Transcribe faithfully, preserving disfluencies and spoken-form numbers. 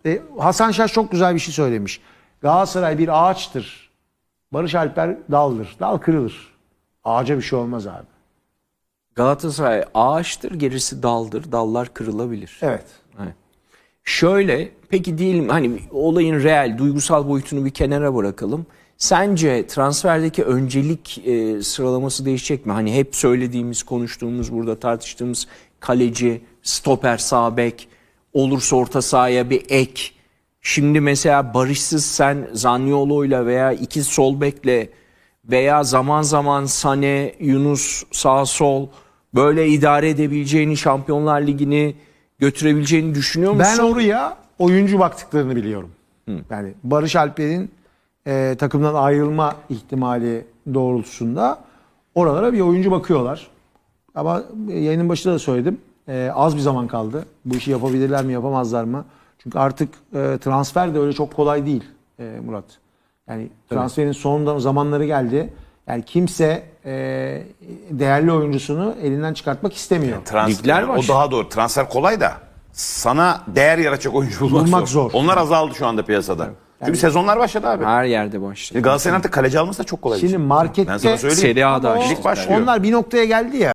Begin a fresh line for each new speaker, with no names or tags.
E, Hasan Şaş çok güzel bir şey söylemiş. Galatasaray bir ağaçtır. Barış Alper daldır. Dal kırılır. Ağaca bir şey olmaz abi.
Galatasaray ağaçtır, gerisi daldır. Dallar kırılabilir.
Evet.
Evet. Şöyle, peki diyelim hani olayın reel, duygusal boyutunu bir kenara bırakalım. Sence transferdeki öncelik e, sıralaması değişecek mi? Hani hep söylediğimiz, konuştuğumuz, burada tartıştığımız kaleci, stoper, sağ bek, olursa orta sahaya bir ek. Şimdi mesela Barış'sız sen Zaniolo'yla veya iki sol bekle veya zaman zaman Sane, Yunus sağ sol böyle idare edebileceğini, Şampiyonlar Ligi'ni götürebileceğini düşünüyor musun?
Ben oraya oyuncu baktıklarını biliyorum. Hı. Yani Barış Alper'in e, takımdan ayrılma ihtimali doğrultusunda oralara bir oyuncu bakıyorlar. Ama yayının başında da söyledim. E, az bir zaman kaldı. Bu işi yapabilirler mi, yapamazlar mı? Çünkü artık e, transfer de öyle çok kolay değil e, Murat. Yani transferin son zamanları geldi. Yani kimse e, değerli oyuncusunu elinden çıkartmak istemiyor.
Yani transfer,
Ligler var.
o daha doğru. Transfer kolay da sana değer yaratacak oyuncu bulmak,
Bulmak
zor.
zor.
Onlar azaldı şu anda piyasada. Çünkü sezonlar başladı abi.
Her yerde başladı.
Şimdi Galatasaray'ın artık kaleci alması da çok kolay. bir
Şimdi
şey.
markette
Ben sana söyleyeyim.
Serie A'da
Ama o-
açtı.
Lig başlıyor.
onlar bir noktaya geldi ya.